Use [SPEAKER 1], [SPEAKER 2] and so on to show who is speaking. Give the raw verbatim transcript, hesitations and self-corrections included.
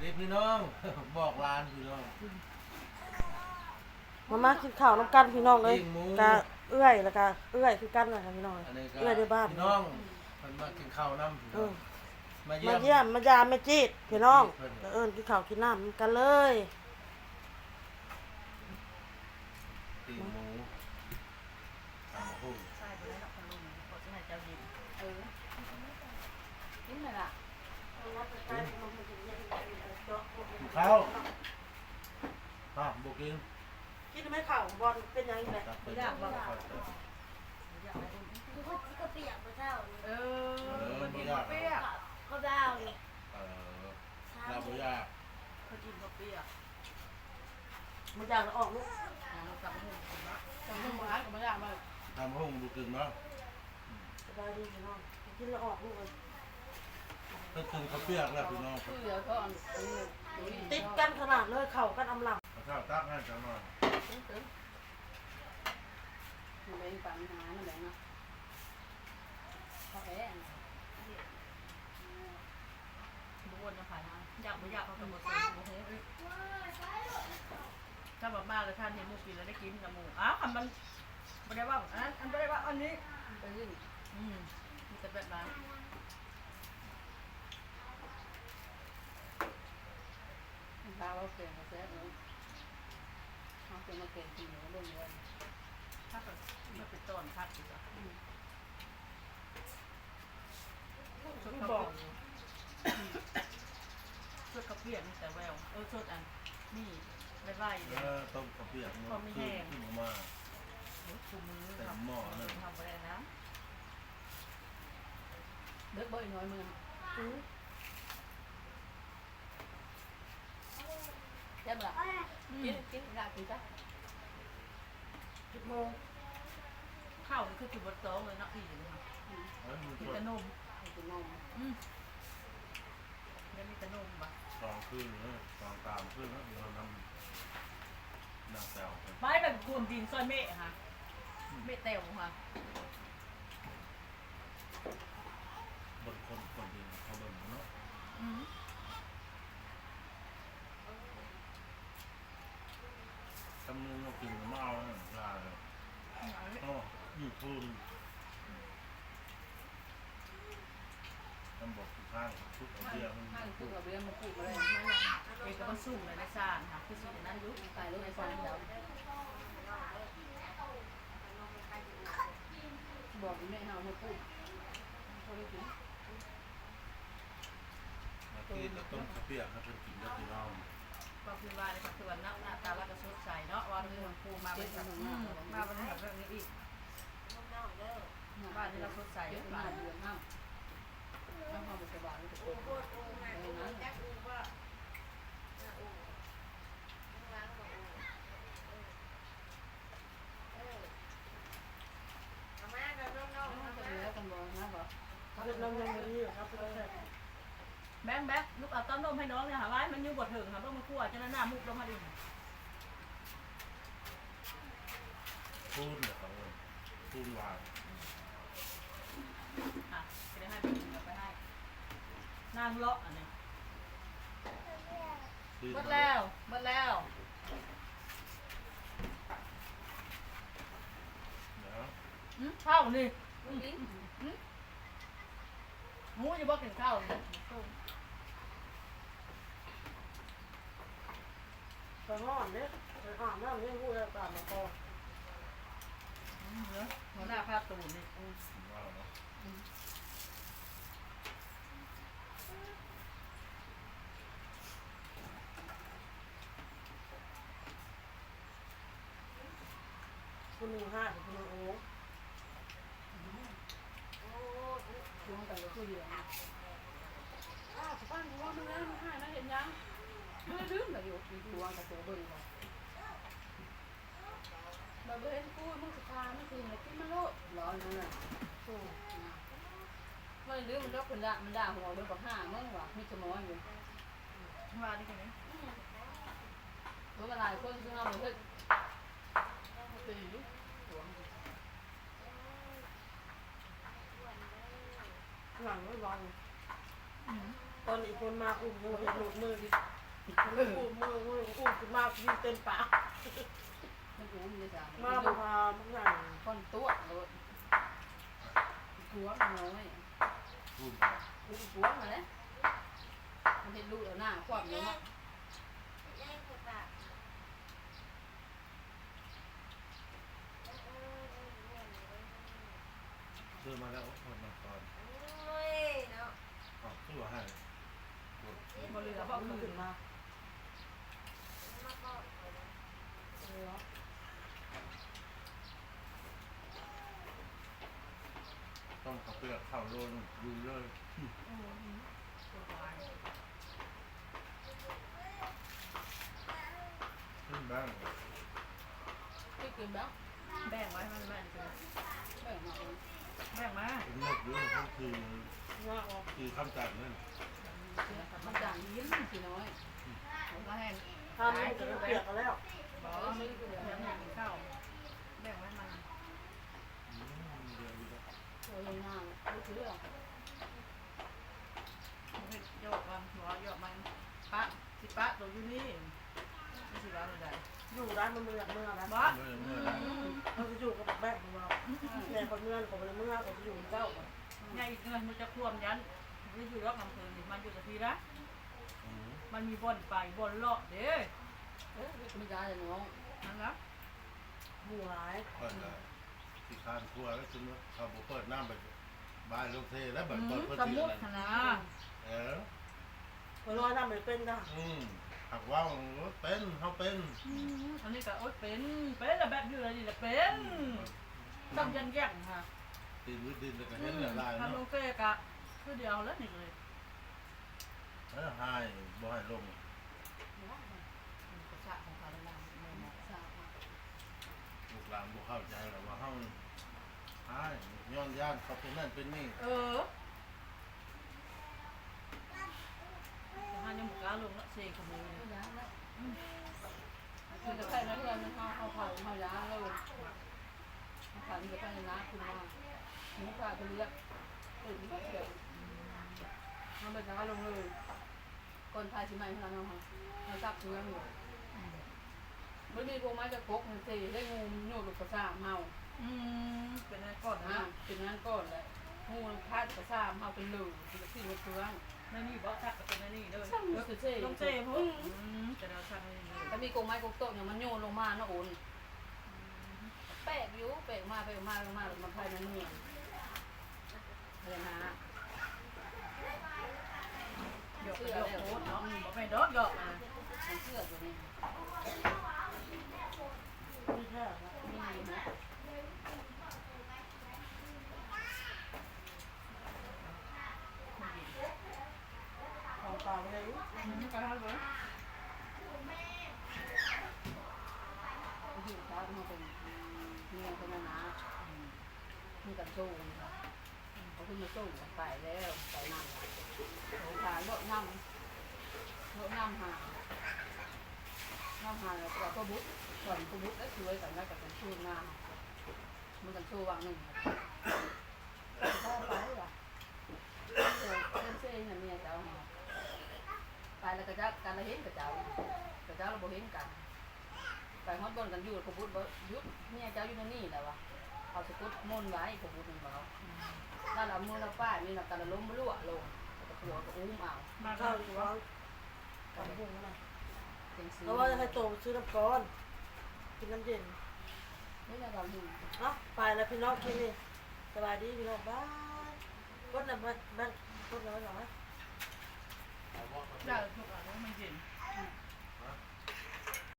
[SPEAKER 1] ดีพี่น้องบอกลานพี่น้อง
[SPEAKER 2] มามากินข้าวน้ำกันพี่น้องเลยกะเอื้อยแล้วก็เอื้อยคือกันนะคะพี่น้องเอื้อยในบ้าน
[SPEAKER 1] พี่น้องมันมากินข้าวน้ำพี่น้อง
[SPEAKER 2] มาเยี่ยมมายามแม่จีดพี่น้องเอิ้นกินข้าวกินน้ำกันเลย
[SPEAKER 1] ตีหมูตำหู
[SPEAKER 3] ใช่ไปแล้วนะคุณลุงขอจะให้เจ้ายินเออกินไหมล่ะ
[SPEAKER 1] ข้าวข้าวบุกิน
[SPEAKER 2] กินไม่ข้าวบอลเป็นยังไง
[SPEAKER 3] ไม่อยากบอก
[SPEAKER 4] ก็เปียกพระเจ้า
[SPEAKER 3] เออมันกินเปียก
[SPEAKER 4] พระเจ้าเลย
[SPEAKER 1] เออลาบุยา
[SPEAKER 3] เขากินข้าวเปียก
[SPEAKER 2] มันอยากออกลูก
[SPEAKER 3] กลับมาหุงกลับมาหุงร้านกับมาอยากมา
[SPEAKER 1] ทำห้องบุกินเนาะ
[SPEAKER 2] สบายดีพี่น้องกินแล้วออกลูกเลย
[SPEAKER 1] ก็ถึงข้าวเปียกแล้วพี่น้อง
[SPEAKER 2] ติดกันขนาดเลยเข่ากันอำลัง
[SPEAKER 1] ข้าวตักให้จังหน่อย
[SPEAKER 3] มันเป็นปัญหามันแหละเนาะเขาแอบบุญจะผ่านมาอยากไม่อยากเขาจะหมดเลยโอเคถ้าแบบมาแล้วท่านเห็นมูกินแล้วได้กินกับมูอ้าวคำมันไม่ได้ว่าอันนั้นอันไม่ได้ว่าอันนี้อืมมีแต่แบบนั้นถ้าเราเปลี่ยนมาเสร็จแล้วเขาเปลี่ยนมาเปลี่ยนสีแล้วลงเลยถ้าเกิดมันเป็นต้นพัดอยู่อ่ะชุดกระบอกชุดกระเพียนแต่แววเออชุดอันนี่ไม่ไล่เลย
[SPEAKER 1] ต้มข้าวเปียกมันขึ้นขึ้นมา
[SPEAKER 3] ชูมือ
[SPEAKER 1] แต่หม้อนั่น
[SPEAKER 3] ทำอะไรนะเด็กบ่อยน้อยมือเจ็บหรอกินกินได้กินจ้ะ
[SPEAKER 2] สิบโมง
[SPEAKER 3] ข้าวคือจุดบดโต๊ะเลยเนาะพี่เลยค่ะมีแต่นมมีแต่นมอืมแล้วมีแต่นมปะ
[SPEAKER 1] สองคืนนะสองตามคืนนะเรานำนางแซว
[SPEAKER 3] ไม้แบบกลุ่มดินซอยเมฆค่ะเมฆเต๋วค่ะ
[SPEAKER 1] บนคนคนดินเขาบนเนาะทำนึงเรากินมาเอาเนี่ยลาเลยอ๋ออยู่พูนทำบอกทุกข้างทุกเบียร์มัน
[SPEAKER 3] ข้างทุกเบียร์มันพูดอะไรเอกมันสุ่มเลยในซานค่ะคือสิ่งนั้นยุคไปรถในซานเดียวบอกแม่เฮาให้พูดเขาไม่กิน
[SPEAKER 1] มากินแล้วต้มข้าวเปียกให้เป็นกินได้กี่รอบ
[SPEAKER 3] ก็คือว่าในปัจจุบันหน้าตาเราจะสดใสเนาะวันนี้ครูมาเป็นแบบมาเป็นแบบเรื่องนี้อีกบ้านที่เราสดใสบ้านเดือนห้าแล้วพอมาสบายทุกคนแบงแบงลูกเอาต้มนมให้น้องเนี่ยหาไว้มันยุ่งบดถึงค่ะต้องมาคั่วจะน่าหน้ามุกลงมาดิ
[SPEAKER 1] พูดเนี่ยเขาพูดวาง
[SPEAKER 3] อ่ะจะได้ให้ไปกินกับไปให้นางเลาะอันนี้หมดแล้วหมดแล้วอืมข้าวนี่หมูจะบอกกินข้าวนี่
[SPEAKER 2] ไปห้องเนี่ยไปห้องน้ำเนี่ยพูดแล้วตามมาพอ
[SPEAKER 3] เนาะหัวหน้าภาพตูนนี่
[SPEAKER 2] คุณหนึ่งห้าคุณหนึ่งโอ้
[SPEAKER 3] ช่วงแต่ละคู่เดียวอ้าวป้าหัวมึงแล้วมึงหายนะเห็นยังไม่ลืมแต่อยู่มีตัวกับตัวเบิ่งก่อนเราเห็นกูมึงสุดท้ายไม่ถึงเลยกินมาโลดร้อนนั่นแหละไม่ลืมมันก็คนละมันด่าหัวเบิ่งกับห้ามึงว่ะมีสมองอยู่ว่าดิกันนี่รู้มาหลายคนซึ่งเราเหมือนกันตี
[SPEAKER 2] หลังไม่วางตอนอีกคนมาอุ้มมือเห็นหลุดมือดิอุ้มมือมืออุ้มขึ้นมากินเต็มปาก
[SPEAKER 3] มันกูมันจะสาม
[SPEAKER 2] มาบุพาทุกอย่าง
[SPEAKER 3] คนตัวเลยหัวน้อย
[SPEAKER 1] พูด
[SPEAKER 3] กูหัวมาแล้วมันเห็นลูกแล้วหน้าควักเยอะมาก
[SPEAKER 4] เล่นกับปาก
[SPEAKER 1] ซื้อมาแล้วคนมาก่อน
[SPEAKER 4] โอ้ยเนาะ
[SPEAKER 1] อ๋อซื้อให้
[SPEAKER 3] บริษัทบอก
[SPEAKER 2] ขึ้
[SPEAKER 3] คื
[SPEAKER 2] น
[SPEAKER 3] น
[SPEAKER 2] มา
[SPEAKER 4] มาก่อน
[SPEAKER 1] ต้องขับเปลือกข้าวโดนดูเลยขึ้นบ้าง
[SPEAKER 3] ที่กินแล้ว
[SPEAKER 5] แบ่งไว้มันแบ่งกัน
[SPEAKER 3] แบ่งมา
[SPEAKER 5] แบ่งมา
[SPEAKER 1] เป็นนกด้วยก็คือ
[SPEAKER 2] ว่าออก
[SPEAKER 1] คือคำจัดนั่น
[SPEAKER 3] มันจางยิ้มกี่น้อย
[SPEAKER 5] ผมก็แห้ง
[SPEAKER 2] ทำมันจะเปียกกันแล้ว
[SPEAKER 5] บอกว่าไม่เดี๋ยวแห้งกินข้าวแบ่งไว้มัน
[SPEAKER 1] เดี๋ยวอยู่แล้ว
[SPEAKER 3] โอ้ยหน้าลูกเรื่อง
[SPEAKER 5] เห็ดโยกมันหัวโยกมันปะสิปะตัวอยู่นี่ไม่สิว่าอะไร
[SPEAKER 2] อยู่ร้านมันเมืองเมืองนะ
[SPEAKER 5] บอส
[SPEAKER 1] เมื่อเมื่อไร
[SPEAKER 2] เราจะอยู่กับแม่ของเราแม่คนเมืองของเมืองของจะอยู่เจ้า
[SPEAKER 5] เนี่ยอีกเงินมันจะท่วมยันมันอยู่รอบอำเภอนี่มันอยู่กับทีละมันมีบ่อนไปบ่อนเลาะเด้
[SPEAKER 3] เอ๊ะไม่ได้เลยน้อง
[SPEAKER 5] นั่นละ
[SPEAKER 2] หมู่หลาย
[SPEAKER 1] เปิดที่คานครัวแล้วคือเขาบอกเปิดน้ำไปบายลงเทแล้วแบบเปิดเปิด
[SPEAKER 5] ส
[SPEAKER 1] ที่
[SPEAKER 5] มุด
[SPEAKER 1] นั่น
[SPEAKER 5] นะ
[SPEAKER 1] เออ
[SPEAKER 2] คนร้อยทำไม่เป็นนะ
[SPEAKER 1] อืมหักว่าวเป็นเขาเป็น
[SPEAKER 5] อันนี้ก็โอ๊ยเป็นเป็นแล้วแบบอยู่อะไรนี่แหละเป็นต้องยันแย่งค่ะ
[SPEAKER 1] ตีนวิดินแต่ก็เห็นละลาย
[SPEAKER 5] ทำล
[SPEAKER 1] เนาะ
[SPEAKER 5] งเตะกะคือเดียวแล้วนี่เลย
[SPEAKER 1] เออหายบ่ให้ลง
[SPEAKER 3] กระชากของเขาดังๆมันสาบมา
[SPEAKER 1] ลูกหลานบ่เข้าใจหรอกว่าเฮาหายย้อนย่านเขาเป็นนั่นเป็นนี่
[SPEAKER 5] เออจะหายังบุกล้าลงละเสกขโมย
[SPEAKER 3] ไม่ย้ายแล้วคือจะใส่นั้นเลยมันเขาเขาเผาเขาย้ายเลยเขาผ่านจะใส่น้ำคุณมาหมูปลาไปเรียกตื่นก็เสียมันเป็นย้ายลงเลยคนไทยสิไม่พลังงานเขาจับเนื้ออยู่ไม่มีพวกไม้จะพกมันสีได้งูโยนลูกกระซ่าเมา
[SPEAKER 5] อืมเป็นอะไรก่อน
[SPEAKER 3] อ่า
[SPEAKER 5] นะ
[SPEAKER 3] เป็นนั้นก่อนเลยงูพาดกระซ่าเมาเป็นหลือเป็นสิ่งในเครื่อง
[SPEAKER 5] นั่นนี่บอกทักกับเป็นนั่นนี่เลย
[SPEAKER 3] ช่างมันคือเซ่
[SPEAKER 5] ต้องเจ๊พวกอืมจะเราทักนี่เลย
[SPEAKER 3] ถ้ามีกงไม้กงโต๊ะเนี่ยมันโยนลงมาเนาะโอนแปลกอยู่แปลกมาแปลกมาแปลกมามันภายในเมืองอะไรนะ
[SPEAKER 5] หยอกหยอกโคตรเนาะบอกไม่ดอดหยอกนะ
[SPEAKER 3] มันเชื่อตัวนี้
[SPEAKER 2] ไม่ใช่นะ
[SPEAKER 3] มีไหม
[SPEAKER 2] ของเปล่าเลย
[SPEAKER 5] อืมก็ทำเลย
[SPEAKER 3] อยู่ท้ามันเป็นเมืองเป็นนามีกันสู้นะครับเขาขึ้นมาสู้ไปแล้วไปนั่งโอ้ขาโลดน้ำโลดน้ำหาน้ำหาแล้วก็บุ๊กก่อนก็บุ๊กแล้วช่วยกันแล้วกับกันสู้หน้ามันกันสู้วางหนึ่งพ่อไปว่ะเจ้าเส้นเนี่ยเมียเจ้าไปแล้วก็จะการละเห็นกับเจ้ากับเจ้าเราบ่เห็นกันไปฮอดบนกันอยู่กับบุ๊กบ่ยุดเมียเจ้าอยู่ในนี่แหละวะเขาสะกุดมุ่นไว้กับบุ๊กหนึ่งเขาถ้าเรามือเราป้ายมีเราการล้มไม่รั่วลงกับหัวกับอุ้มเอา
[SPEAKER 5] มา
[SPEAKER 2] ข้า
[SPEAKER 5] เข้าว
[SPEAKER 2] อยู่ว่าของพวกนั้น
[SPEAKER 3] เป็นซื้อ
[SPEAKER 2] เพราะว่าจะให้โตซื้อน้ำก้อนกินน้ำเย็น
[SPEAKER 3] นี่แหละเราดู
[SPEAKER 2] เนาะไปแล้วพี่น้องกินนี่สบายดีพี่น้องบ้ายกดน้ำบ้านบ้าน